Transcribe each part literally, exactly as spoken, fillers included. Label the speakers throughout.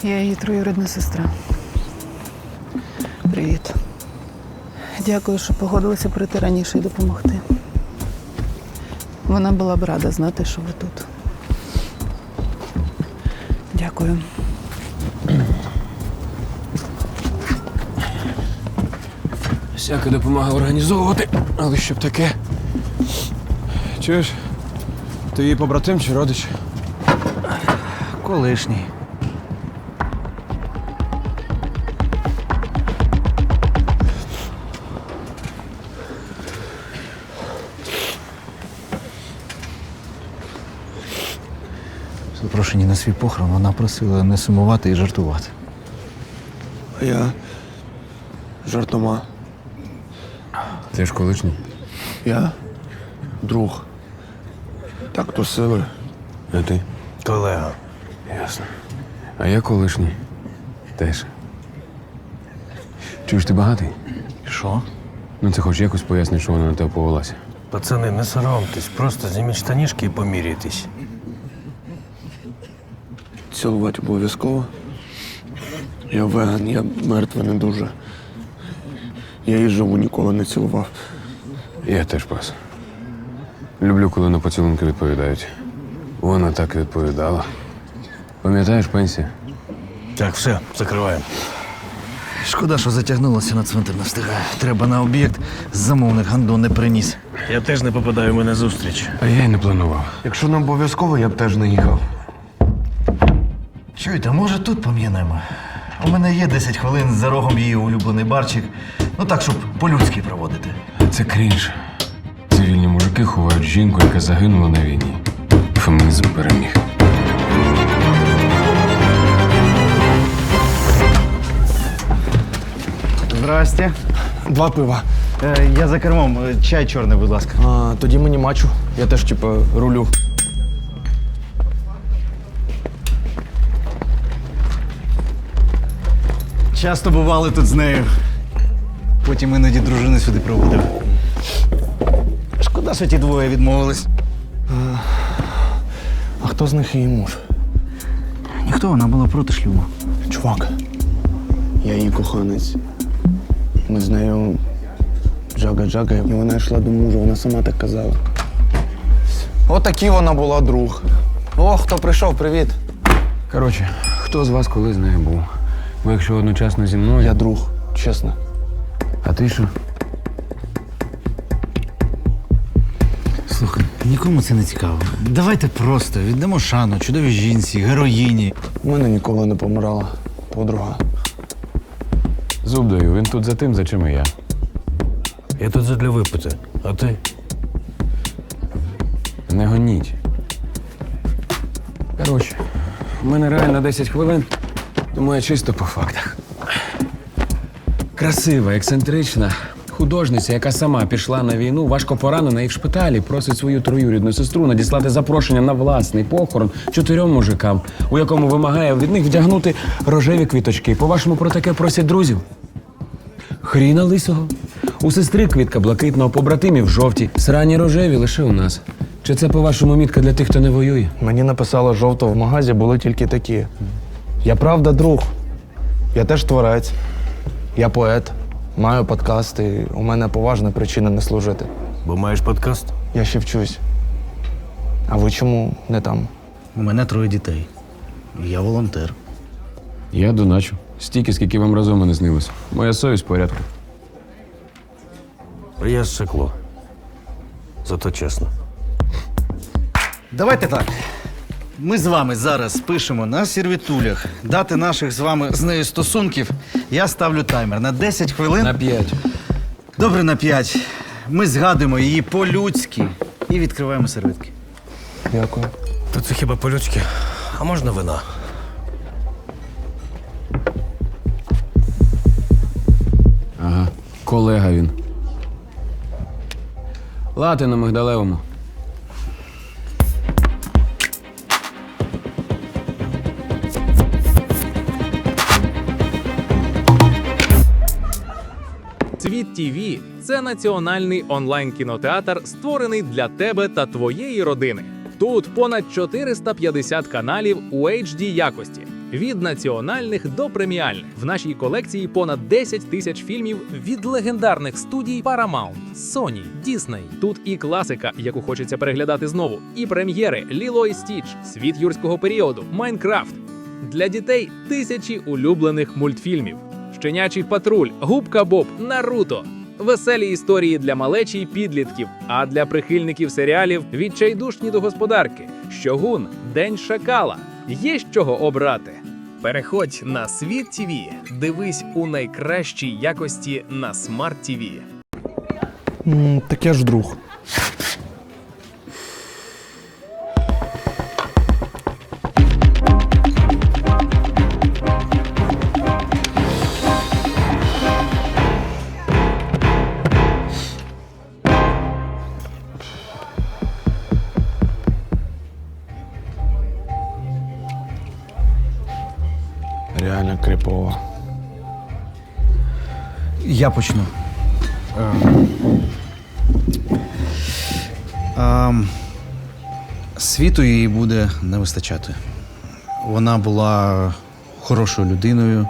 Speaker 1: Я її троюрідна сестра. Привіт. Дякую, що погодилися прийти раніше і допомогти. Вона була б рада знати, що ви тут. Дякую.
Speaker 2: Всяка допомога організовувати, але щоб таке. Чуєш? Ти її побратим чи родич?
Speaker 3: Колишній. Запрошені на свій похорон, вона просила не сумувати і жартувати.
Speaker 4: А я жартома.
Speaker 2: Ти ж колишній.
Speaker 4: Я друг. Так то сили.
Speaker 2: А ти?
Speaker 3: Колега.
Speaker 2: Ясно. А я колишній. Теж. Чуєш, ти багатий?
Speaker 3: Що?
Speaker 2: Ну це хоч якось пояснить, що вона на тебе повелася.
Speaker 5: Пацани, не соромтесь, просто зніміть штанішки і поміряйтесь.
Speaker 4: Цілувати обов'язково. Я веган, я мертвий не дуже. Я її живу ніколи не цілував.
Speaker 2: Я теж пас. Люблю, коли на поцілунки відповідають. Вона так і відповідала. Пам'ятаєш, пенсія?
Speaker 5: Так, все, закриваємо.
Speaker 3: Шкода, що затягнулося, на цвинтар не встигає. Треба на об'єкт, замовник гандон не приніс.
Speaker 5: Я теж не попадаю в мене зустріч.
Speaker 2: А я й не планував.
Speaker 4: Якщо не обов'язково, я б теж не їхав.
Speaker 3: Чуєте, може тут пом'янемо? У мене є десять хвилин за рогом її улюблений барчик. Ну так, щоб по-людськи проводити.
Speaker 2: Це крінж. Цивільні мужики ховають жінку, яка загинула на війні. Фемінізм переміг.
Speaker 3: Здрасте.
Speaker 4: Два пива.
Speaker 3: Е, я за кермом. Е, Чай чорний, будь ласка.
Speaker 4: А, тоді мені мачу. Я теж, типу, рулю.
Speaker 3: Часто бували тут з нею. Потім іноді дружини сюди проводив. Шкода, що ті двоє відмовились.
Speaker 4: А хто з них її муж?
Speaker 3: Ніхто, вона була проти шлюбу.
Speaker 4: Чувак, я її коханець. Ми з нею джага-джага, і вона йшла до мужа, вона сама так казала. Отакі вона була друг. О, хто прийшов, привіт.
Speaker 2: Коротше, хто з вас коли з нею був? Бо якщо одночасно зі мною.
Speaker 4: Я друг, чесно.
Speaker 2: А ти що?
Speaker 3: Слухай, нікому це не цікаво. Давайте просто віддамо шану чудовій жінці, героїні.
Speaker 4: У мене ніколи не помирала подруга.
Speaker 2: Зуб даю, він тут за тим, за чим і я.
Speaker 5: Я тут задля випити, а ти?
Speaker 2: Не гоніть. Коротше, у мене реально десять хвилин, тому я чисто по фактах. Красива, ексцентрична художниця, яка сама пішла на війну, важко поранена і в шпиталі просить свою троюрідну сестру надіслати запрошення на власний похорон чотирьом мужикам, у якому вимагає від них вдягнути рожеві квіточки. По-вашому, про таке просять друзів? Хріна лисого. У сестри квітка блакитного, побратимів жовті, срані рожеві лише у нас. Чи це, по-вашому, мітка для тих, хто не воює?
Speaker 4: Мені написала жовто в магазі, були тільки такі. Я правда друг. Я теж творець. Я поет. Маю подкаст, і у мене поважна причина не служити.
Speaker 5: Бо маєш подкаст?
Speaker 4: Я ще вчусь. А ви чому не там?
Speaker 3: У мене троє дітей. Я волонтер.
Speaker 2: Я доначу. Стільки, скільки вам разом не снилось. Моя совість в порядку.
Speaker 5: А я зсекло. Зато чесно.
Speaker 3: Давайте так. Ми з вами зараз пишемо на сервітулях дати наших з вами з нею стосунків. Я ставлю таймер на десять хвилин.
Speaker 2: На п'ять.
Speaker 3: Добре, на п'ять. Ми згадуємо її по-людськи і відкриваємо серветки.
Speaker 4: Дякую.
Speaker 5: То це хіба по-людськи? А можна вина?
Speaker 2: Ага, колега він. Лати на мигдалевому.
Speaker 6: Світ ТІВІ – це національний онлайн-кінотеатр, створений для тебе та твоєї родини. Тут понад чотириста п'ятдесят каналів у ейч ді якості, Від національних до преміальних. В нашій колекції понад десять тисяч фільмів від легендарних студій Paramount, Sony, Disney. Тут і класика, яку хочеться переглядати знову, і прем'єри «Ліло і Стіч», «Світ юрського періоду», «Майнкрафт». Для дітей тисячі улюблених мультфільмів. «Щенячий патруль», «Губка Боб», «Наруто». Веселі історії для малечі й підлітків, а для прихильників серіалів «Відчайдушні до господарки», «Щогун», «День шакала». Є з чого обрати. Переходь на Світ ТІВІ. Дивись у найкращій якості на Смарт ТІВІ.
Speaker 4: М, так я ж друг. Реально крипово.
Speaker 3: Я почну. Ем. Ем, Світу їй буде не вистачати. Вона була хорошою людиною.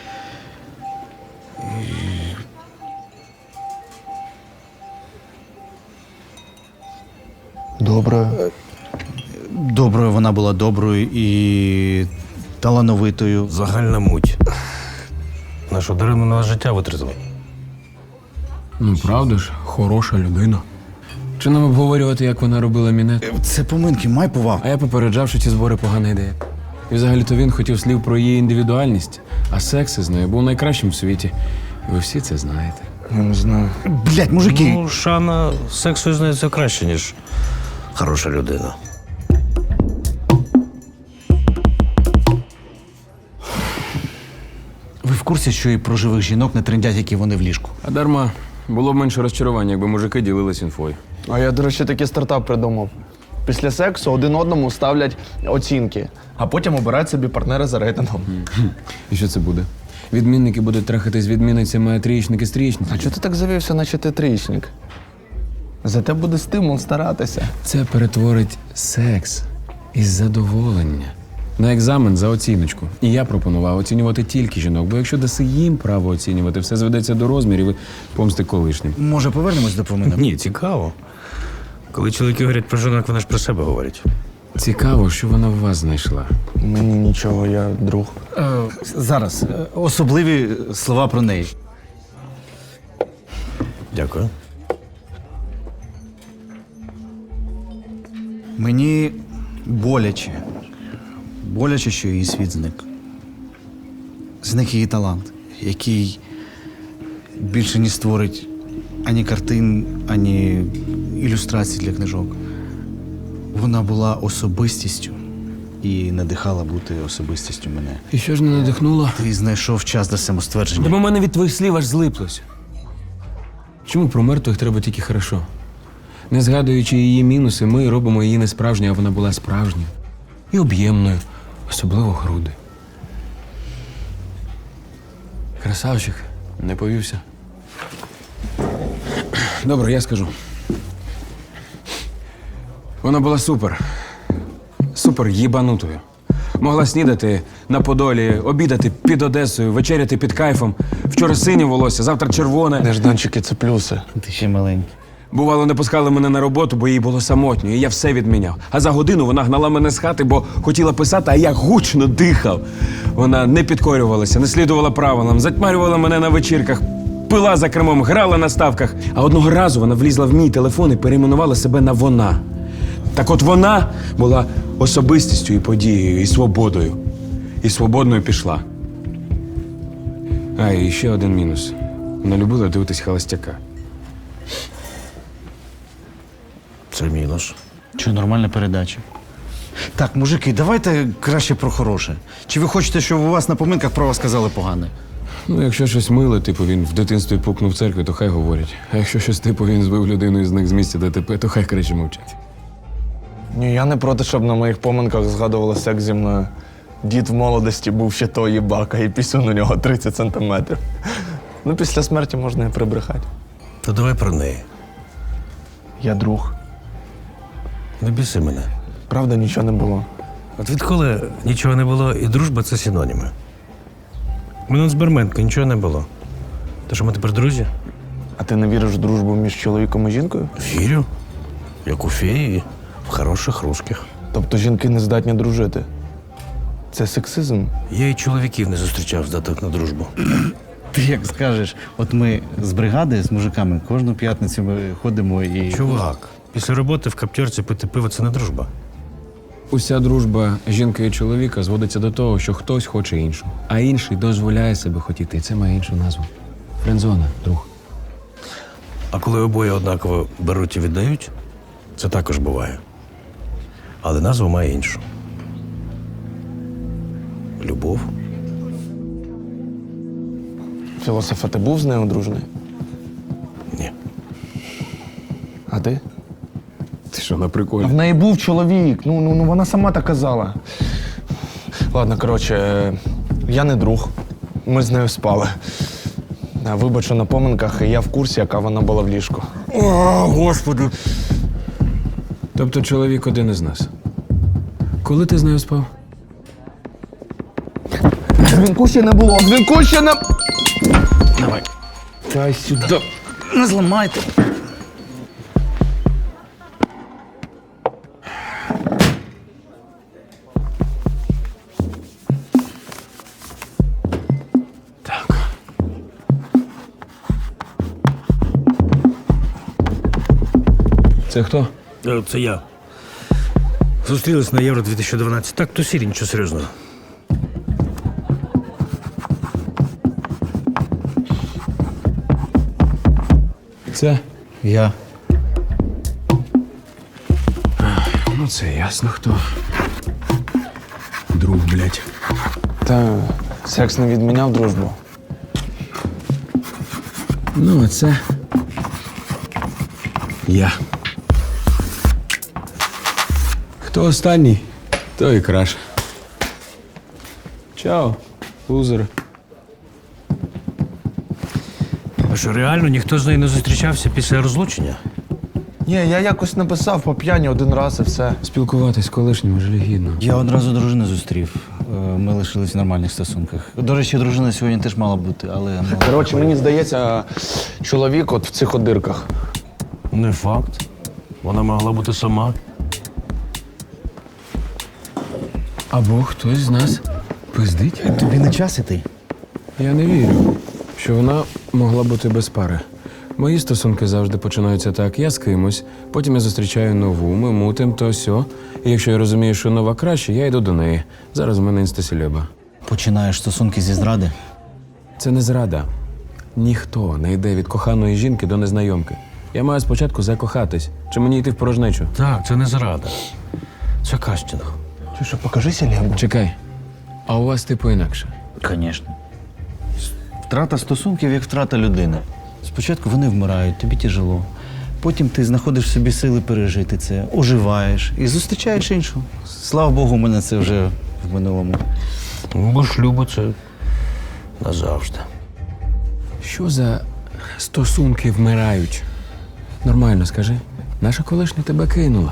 Speaker 4: Добре.
Speaker 3: Доброю вона була доброю і талановитою.
Speaker 5: Загальна муть. Нашу дарину на життя витратили.
Speaker 2: Ну, правда ж, хороша людина. Чи нам обговорювати, як вона робила мінет?
Speaker 3: Це поминки, май повагу.
Speaker 2: А я попереджав, що ці збори погана ідея. І взагалі-то він хотів слів про її індивідуальність, а секс із нею був найкращим в світі. І ви всі це знаєте.
Speaker 4: Я не знаю.
Speaker 3: Блять, мужики!
Speaker 5: Ну, Шана сексу знається краще, ніж хороша людина.
Speaker 3: Ви в курсі, що і про живих жінок не трендять, які вони в ліжку?
Speaker 2: А дарма, було б менше розчарування, якби мужики ділились інфою.
Speaker 4: А я, до речі, такий стартап придумав. Після сексу один одному ставлять оцінки, а потім обирають собі партнера за рейтингом.
Speaker 2: І що це буде? Відмінники будуть трахатись з відмінницями, а трієчники з
Speaker 4: А
Speaker 2: трієчницями.
Speaker 4: чого ти так завівся, наче ти трієчник? Зате буде стимул старатися.
Speaker 2: Це перетворить секс із задоволення на екзамен за оціночку. І я пропонував оцінювати тільки жінок, бо якщо даси їм право оцінювати, все зведеться до розмірів і помсти колишнім.
Speaker 3: Може, повернемось до поминок?
Speaker 5: Ні, цікаво. Коли чоловіки говорять про жінок, вони ж про себе говорять.
Speaker 2: Цікаво, що вона в вас знайшла.
Speaker 4: Мені нічого, я друг.
Speaker 3: Е, зараз. е, Особливі слова про неї.
Speaker 5: Дякую.
Speaker 3: Мені боляче. Боляче, що її світ зник. Зник її талант, який більше не створить ані картин, ані ілюстрацій для книжок. Вона була особистістю і надихала бути особистістю мене.
Speaker 2: І що ж не надихнуло?
Speaker 3: Ти знайшов час до самоствердження.
Speaker 2: До мене від твоїх слів аж злиплося. Чому про мертвих треба тільки хорошо? Не згадуючи її мінуси, ми робимо її не справжньою, а вона була справжньою. І об'ємною, особливо груди. Красавчик, не повівся. Добре, я скажу. Вона була супер. Супер їбанутою. Могла снідати на Подолі, обідати під Одесою, вечеряти під кайфом. Вчора синє волосся, завтра червоне.
Speaker 4: Нежданчики це плюси.
Speaker 3: Ти ще маленький.
Speaker 2: Бувало, не пускали мене на роботу, бо їй було самотньо, і я все відміняв. А за годину вона гнала мене з хати, бо хотіла писати, а я гучно дихав. Вона не підкорювалася, не слідувала правилам, затьмарювала мене на вечірках, пила за кермом, грала на ставках. А одного разу вона влізла в мій телефон і перейменувала себе на «вона». Так от вона була особистістю і подією, і свободою. І свободною пішла. А, і ще один мінус. Вона любила дивитись «Холостяка».
Speaker 5: Це мінус.
Speaker 3: Чи нормальна передача? Так, мужики, давайте краще про хороше. Чи ви хочете, щоб у вас на поминках про вас сказали погане?
Speaker 2: Ну, якщо щось миле, типу він в дитинстві пукнув в церкві, то хай говорять. А якщо щось типу він збив людину і зник з місця ДТП, то хай краще мовчать.
Speaker 4: Ні, я не проти, щоб на моїх поминках згадували секс зі мною. Дід в молодості був ще той їбака, і пісюн у нього тридцять сантиметрів. Ну, після смерті можна і прибрехати.
Speaker 5: То давай про неї.
Speaker 4: Я друг.
Speaker 5: Не біси мене.
Speaker 4: Правда, нічого не було.
Speaker 5: От відколи нічого не було, і дружба це синоніми. Минут з Берменко нічого не було. То що ми тепер друзі?
Speaker 4: А ти не віриш в дружбу між чоловіком і жінкою?
Speaker 5: Вірю. Як у феї, в хороших русських.
Speaker 4: Тобто жінки не здатні дружити? Це сексизм?
Speaker 5: Я і чоловіків не зустрічав здатних на дружбу.
Speaker 3: Ти як скажеш, от ми з бригади, з мужиками, кожну п'ятницю ми ходимо і.
Speaker 5: Чувак, після роботи в каптьорці пити пиво – це не дружба.
Speaker 2: Уся дружба жінки і чоловіка зводиться до того, що хтось хоче іншу, а інший дозволяє себе хотіти. І це має іншу назву. Френдзона, друг.
Speaker 5: А коли обоє однаково беруть і віддають, це також буває. Але назва має іншу. Любов.
Speaker 4: Філософа, ти був з нею одружений?
Speaker 5: Ні.
Speaker 4: А ти?
Speaker 2: Ти що, на
Speaker 4: А
Speaker 2: приколі?
Speaker 4: в неї був чоловік. Ну, ну, ну вона сама так казала. Ладно, коротше, е, я не друг. Ми з нею спали. А, Вибач, що на поминках, і я в курсі, яка вона була в ліжку.
Speaker 5: О, Господи!
Speaker 2: Тобто чоловік один із нас. Коли ти з нею спав?
Speaker 4: Дзвінку ще не було, дзвінку ще не...
Speaker 2: Давай.
Speaker 4: Дай сюди.
Speaker 3: Не зламайте.
Speaker 2: Це хто?
Speaker 5: Е, Це я. Зустрілись на Євро дві тисячі дванадцять. Так, то сірі, нічого серйозного.
Speaker 2: Це?
Speaker 3: Я.
Speaker 2: Ну, це ясно хто. Друг, блядь.
Speaker 4: Та секс не відміняв дружбу.
Speaker 2: Ну, а це... Я. Хто останній, той і краш. Чао, лузер.
Speaker 5: А що, реально ніхто з нею не зустрічався після розлучення?
Speaker 4: Ні, я якось написав по п'яні один раз і все.
Speaker 2: Спілкуватись з колишнім жалюгідно.
Speaker 3: Я одразу дружину зустрів. Е, Ми лишились в нормальних стосунках. До речі, дружина сьогодні теж мала бути, але. ну,
Speaker 4: Коротше, мені здається, чоловік от в цих одирках.
Speaker 5: Не факт. Вона могла бути сама.
Speaker 2: Або хтось з нас пиздить.
Speaker 3: Тобі не час іти?
Speaker 2: Я не вірю, що вона могла бути без пари. Мої стосунки завжди починаються так. Я з кимось, потім я зустрічаю нову, ми мутим, то сьо. І якщо я розумію, що нова краще, я йду до неї. Зараз в мене інстасільоба.
Speaker 3: Починаєш стосунки зі зради.
Speaker 2: Це не зрада. Ніхто не йде від коханої жінки до незнайомки. Я маю спочатку закохатись. Чи мені йти в порожнечу?
Speaker 5: Так, це не зрада. Це кастинг.
Speaker 4: Чи що, покажися, Лєбу?
Speaker 2: Чекай. А у вас типу інакше.
Speaker 3: Звісно. Втрата стосунків як втрата людини. Спочатку вони вмирають, тобі тяжело. Потім ти знаходиш в собі сили пережити це, оживаєш і зустрічаєш іншу. Слава Богу, у мене це вже в минулому.
Speaker 5: Ну, бо шлюбу це назавжди.
Speaker 2: Що за стосунки вмирають? Нормально скажи. Наша колишня тебе кинула.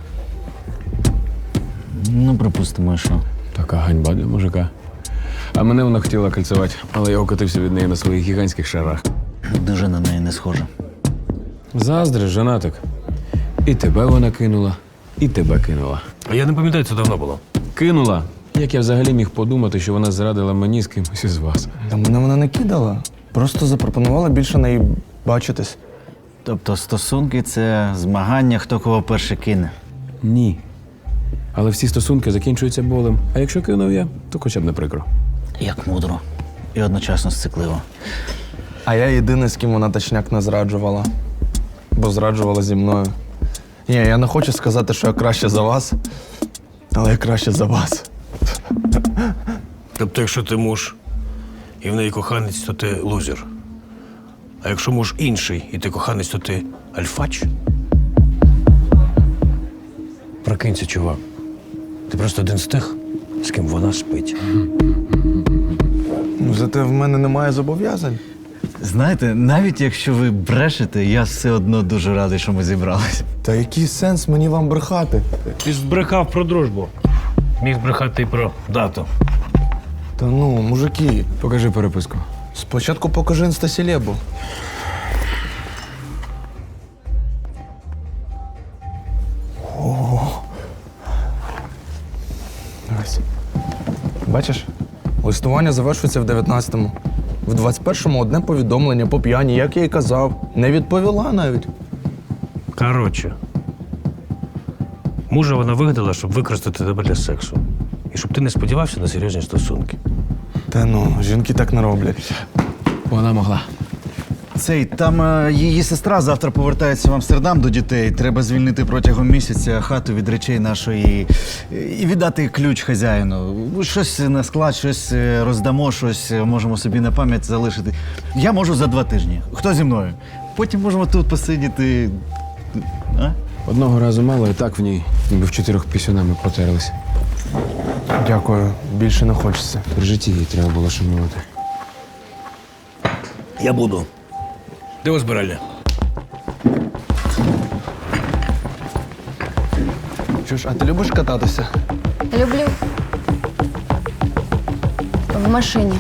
Speaker 3: Ну, припустимо, що.
Speaker 2: Така ганьба для мужика. А мене вона хотіла кольцевати, але я окотився від неї на своїх гігантських шарах.
Speaker 3: Дуже на неї не схожа.
Speaker 2: Заздриш, женатик. І тебе вона кинула, і тебе кинула.
Speaker 5: А я не пам'ятаю, це давно було.
Speaker 2: Кинула. Як я взагалі міг подумати, що вона зрадила мені з кимось із вас?
Speaker 4: Та мене вона не кидала. Просто запропонувала більше неї бачитись.
Speaker 3: Тобто стосунки це змагання, хто кого перше кине.
Speaker 2: Ні. Але всі стосунки закінчуються болем. А якщо кинув я, то хоча б не прикро.
Speaker 3: Як мудро. І одночасно сцикливо.
Speaker 4: А я єдиний, з ким вона точняк не зраджувала. Бо зраджувала зі мною. Ні, я не хочу сказати, що я краще за вас, але я краще за вас.
Speaker 5: Тобто, якщо ти муж і в неї коханець, то ти лузер. А якщо муж інший і ти коханець, то ти альфач? Прокинься, чувак. Ти просто один з тих, з ким вона спить.
Speaker 4: Ну, зате в мене немає зобов'язань.
Speaker 3: Знаєте, навіть якщо ви брешете, я все одно дуже радий, що ми зібралися.
Speaker 4: Та який сенс мені вам брехати?
Speaker 5: Ти збрехав про дружбу. Міг брехати і про дату.
Speaker 4: Та ну, мужики,
Speaker 2: Покажи переписку.
Speaker 4: спочатку покажи інстасілебу. Ось. Бачиш? Листування завершується в дев'ятнадцятому. В двадцять першому одне повідомлення по п'яні, як я й казав. Не відповіла навіть.
Speaker 5: Коротше, мужа вона вигадала, щоб використати тебе для сексу. І щоб ти не сподівався на серйозні стосунки.
Speaker 4: Та ну, жінки так не роблять.
Speaker 2: Вона могла.
Speaker 3: Цей, там е, її сестра завтра повертається в Амстердам до дітей. Треба звільнити протягом місяця хату від речей нашої е, і віддати ключ хазяїну. Щось на склад, щось е, роздамо, щось е, можемо собі на пам'ять залишити. Я можу за два тижні. Хто зі мною? Потім можемо тут посидіти. А?
Speaker 2: Одного разу мало, і так в ній, ніби в чотирьох пісюнами протерлися.
Speaker 4: Дякую, більше не хочеться.
Speaker 2: При житті їй треба було шанувати.
Speaker 5: Я буду. Де збиральня?
Speaker 4: Що ж, а ти любиш кататися?
Speaker 7: Люблю. В машині.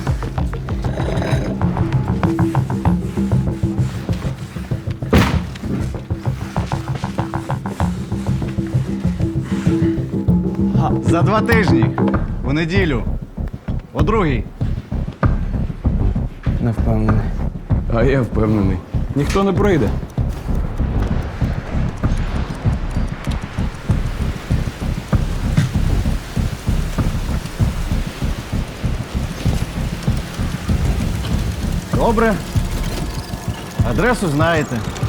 Speaker 3: За два тижні. У неділю. О другій.
Speaker 4: Не впевнений.
Speaker 2: А я впевнений. Ніхто не пройде.
Speaker 3: Добре. Адресу знаєте.